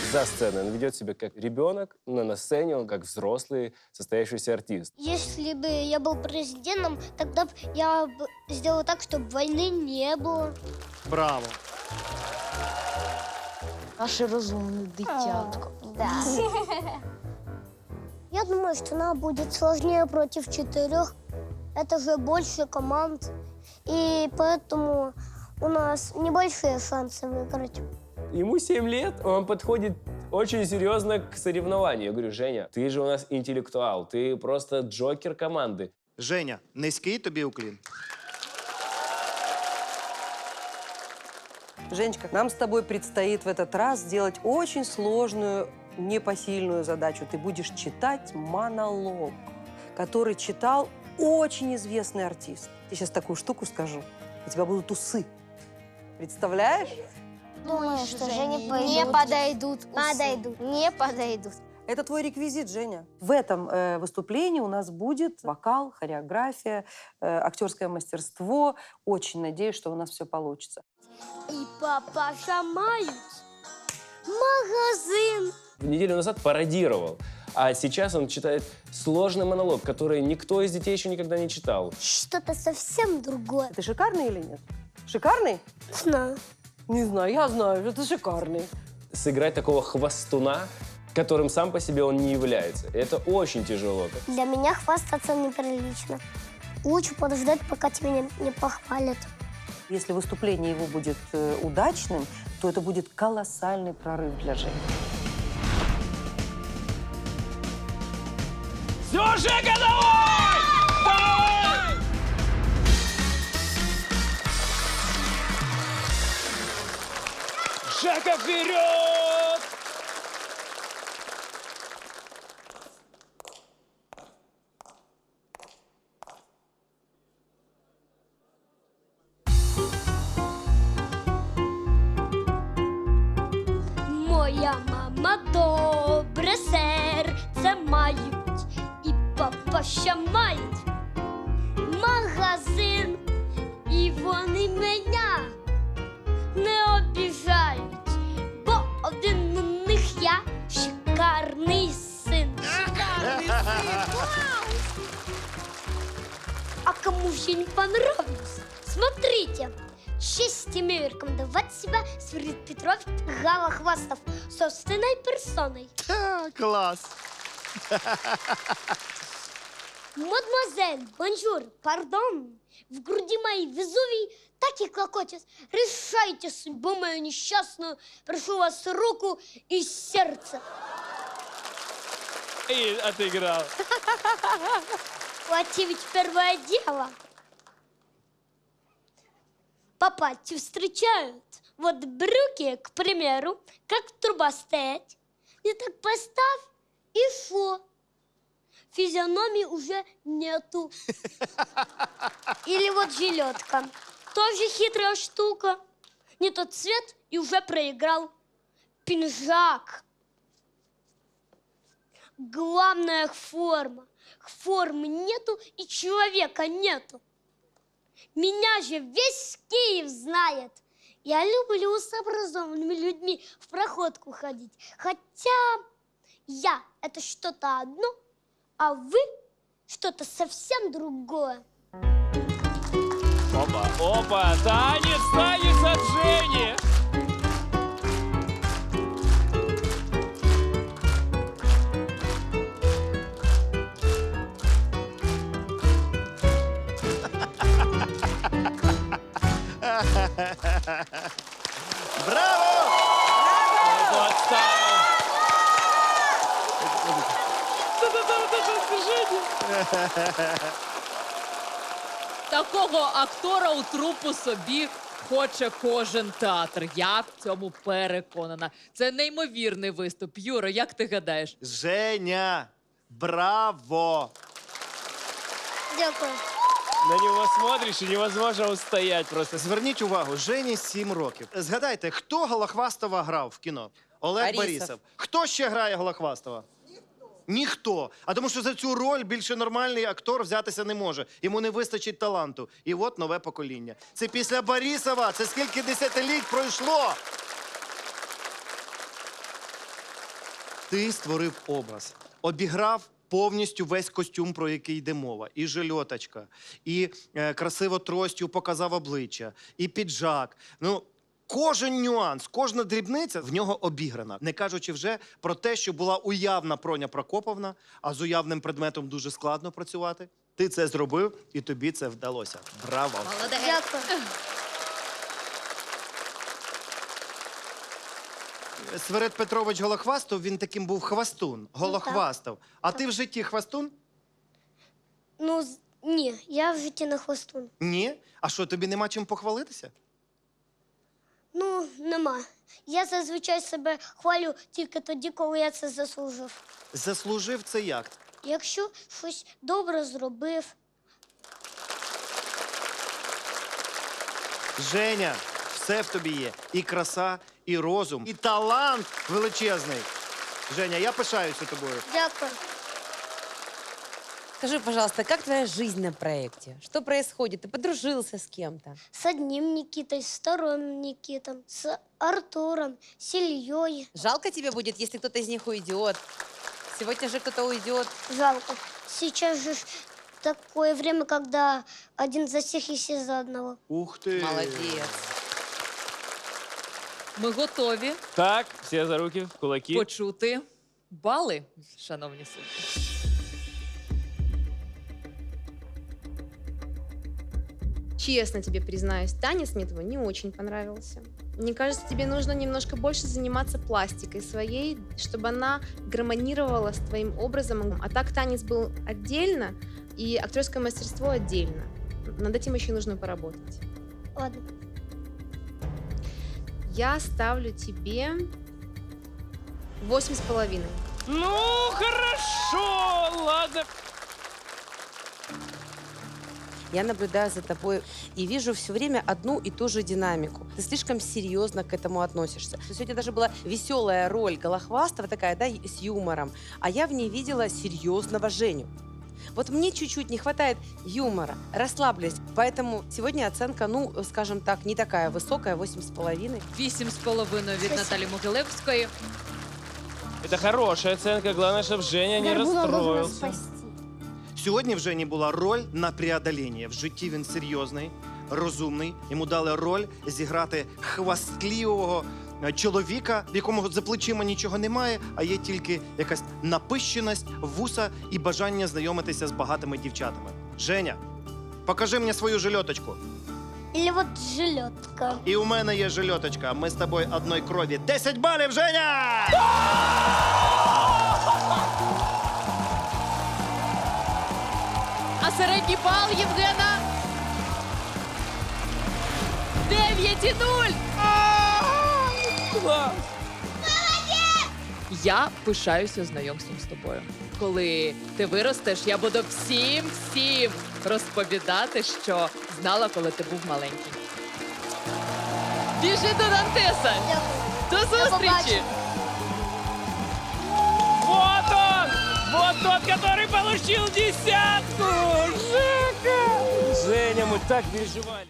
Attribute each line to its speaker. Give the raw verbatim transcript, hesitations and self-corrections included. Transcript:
Speaker 1: За сценой он ведет себя как ребенок, но на сцене он как взрослый, состоявшийся артист.
Speaker 2: Если бы я был президентом, тогда б я бы сделал так, чтобы войны не было.
Speaker 3: Браво.
Speaker 4: Наше розумне дитятко.
Speaker 2: Да. Я думаю, что нам будет сложнее против четырех. Это же больше команд. И поэтому у нас небольшие шансы выиграть.
Speaker 1: Ему семь лет, он подходит очень серьезно к соревнованию. Я говорю, Женя, ты же у нас интеллектуал, ты просто джокер команды.
Speaker 3: Женя, низький тобі уклін.
Speaker 5: Женечка, нам с тобой предстоит в этот раз сделать очень сложную, непосильную задачу. Ты будешь читать монолог, который читал очень известный артист. Я сейчас такую штуку скажу. У тебя будут усы. Представляешь?
Speaker 2: Думаю, что Жене
Speaker 4: не подойдут.
Speaker 2: Подойдут.
Speaker 4: Не подойдут.
Speaker 5: Это твой реквизит, Женя. В этом э, выступлении у нас будет вокал, хореография, э, актерское мастерство. Очень надеюсь, что у нас все получится.
Speaker 2: И папаша мают магазин.
Speaker 1: Неделю назад пародировал, а сейчас он читает сложный монолог, который никто из детей еще никогда не читал.
Speaker 2: Что-то совсем другое.
Speaker 5: Ты шикарный или нет? Шикарный?
Speaker 2: Знаю.
Speaker 5: Не знаю, я знаю, что ты шикарный.
Speaker 1: Сыграть такого хвастуна, которым сам по себе он не является, это очень тяжело.
Speaker 2: Для меня хвастаться неприлично. Лучше подождать, пока тебя не, не похвалят.
Speaker 5: Если выступление его будет э, удачным, то это будет колоссальный прорыв для Жени.
Speaker 1: Все, Жека, давай! Давай! Жека, вперед!
Speaker 2: Моя мама добре серце мають, і папаша мають магазин, і вони мене не обіжають, бо один у них я шикарний син. Шикарний син! А кому же не понравилось? Смотрите, честь имею рекомендовать себя Свирид Петров Голохвастов собственной персоной.
Speaker 3: Ха, клас.
Speaker 2: Мадемуазель, бонжур, пардон. В груди моей Везувий так и клокочет. Решайте судьбу мою несчастную. Прошу вас руку и сердце.
Speaker 1: И отыграл.
Speaker 2: Плати ведь первое дело. Папати встречают. Вот брюки, к примеру, как труба стоять. И так поставь, и шо? Физиономии уже нету. Или вот жилетка. Тоже хитрая штука. Не тот цвет и уже проиграл. Пинжак. Главная форма. Формы нету и человека нету. Меня же весь Киев знает. Я люблю с образованными людьми в проходку ходить. Хотя я – это что-то одно, а вы – что-то совсем другое.
Speaker 1: Опа, опа, танец, танец от Жени!
Speaker 3: Браво!
Speaker 6: Такого актора у трупу собі хоче кожен театр. Я в цьому переконана. Це неймовірний виступ. Юро, як ти гадаєш?
Speaker 3: Женя, браво!
Speaker 2: Дякую.
Speaker 1: На него смотришь, и невозможно устоять просто.
Speaker 3: Зверніть увагу, Жені сім років. Згадайте, хто Голохвастова грав в кіно? Олег
Speaker 5: Борисов.
Speaker 3: Борисов. Хто ще грає Голохвастова? Ніхто. Ніхто. А тому що за цю роль більше нормальний актор взятися не може. Йому не вистачить таланту. І от нове покоління. Це після Борисова. Це скільки десятиліть пройшло. Ти створив образ, обіграв повністю весь костюм, про який йде мова. І жильоточка, і е, красиво тростю показав обличчя, і піджак. Ну, кожен нюанс, кожна дрібниця в нього обіграна. Не кажучи вже про те, що була уявна Проня Прокоповна, а з уявним предметом дуже складно працювати. Ти це зробив, і тобі це вдалося. Браво!
Speaker 2: Дякую.
Speaker 3: Сверед Петрович Голохвастов, він таким був хвастун, Голохвастов. А ти в житті хвастун?
Speaker 2: Ну, з- ні, я в житті не хвостун.
Speaker 3: Ні? А що, тобі нема чим похвалитися?
Speaker 2: Ну, нема. Я зазвичай себе хвалю тільки тоді, коли я це заслужив.
Speaker 3: Заслужив це як?
Speaker 2: Якщо щось добре зробив,
Speaker 3: Женя, все в тобі є. І краса, і розум, і талант величезний. Женя, я пишаюся тобою.
Speaker 2: дякую.
Speaker 7: Скажи, пожалуйста, как твоя жизнь на проекте? Что происходит? Ты подружился с кем-то?
Speaker 2: С одним Никитой, с вторым Никитом, с Артуром, с Ильей.
Speaker 7: Жалко тебе будет, если кто-то из них уйдет. Сегодня же кто-то уйдет.
Speaker 2: Жалко. Сейчас же ж такое время, когда один за всех и все за одного.
Speaker 3: Ух ти.
Speaker 7: Молодец.
Speaker 6: Ми готові
Speaker 1: Так, всі за руки, в кулаки.
Speaker 6: почути бали, шановні судді.
Speaker 8: Честно тебе признаюсь, танец мне твой не очень понравился. Мне кажется, тебе нужно немножко больше заниматься пластикой своей, чтобы она гармонировала с твоим образом. А так танец был отдельно, и актерское мастерство отдельно. Над этим еще нужно поработать.
Speaker 2: Ладно.
Speaker 8: Я ставлю тебе восемь с половиной.
Speaker 1: Ну, хорошо, ладно.
Speaker 7: Я наблюдаю за тобой и вижу все время одну и ту же динамику. Ты слишком серьезно к этому относишься. Сегодня даже была веселая роль Голохвастова такая, да, с юмором. А я в ней видела серьезного Женю. Вот мне чуть-чуть не хватает юмора, расслабленность. Поэтому сегодня оценка, ну, скажем так, не такая высокая, восемь с половиной.
Speaker 6: Вісім з половиною від Наталі Могилевської.
Speaker 1: Это хорошая оценка, главное, чтобы Женя не
Speaker 2: Горбуна нужно
Speaker 1: расстроился.
Speaker 2: спасти.
Speaker 3: Сьогодні в Жені була роль на преодоління. В житті він серйозний, розумний. Йому дали роль зіграти хвастливого е, чоловіка, в якому за плечима нічого немає, а є тільки якась напищеність, вуса і бажання знайомитися з багатими дівчатами. Женя, покажи мені свою жильоточку.
Speaker 2: Или вот жилетка.
Speaker 3: І у мене є жильоточка. Ми з тобою одної крові. Десять балів, Женя!
Speaker 6: А середній бал Євгена дев'ять і нуль.
Speaker 1: Класс.
Speaker 6: Я пишаюся знайомством з тобою. Коли ти виростеш, я буду всім всім розповідати, що знала, коли ти був маленький. Біжи до Дантеса! До зустрічі!
Speaker 2: побачення.
Speaker 1: Вот он! Вот тот, который получил десятку! Жека! Женя, мы так переживали.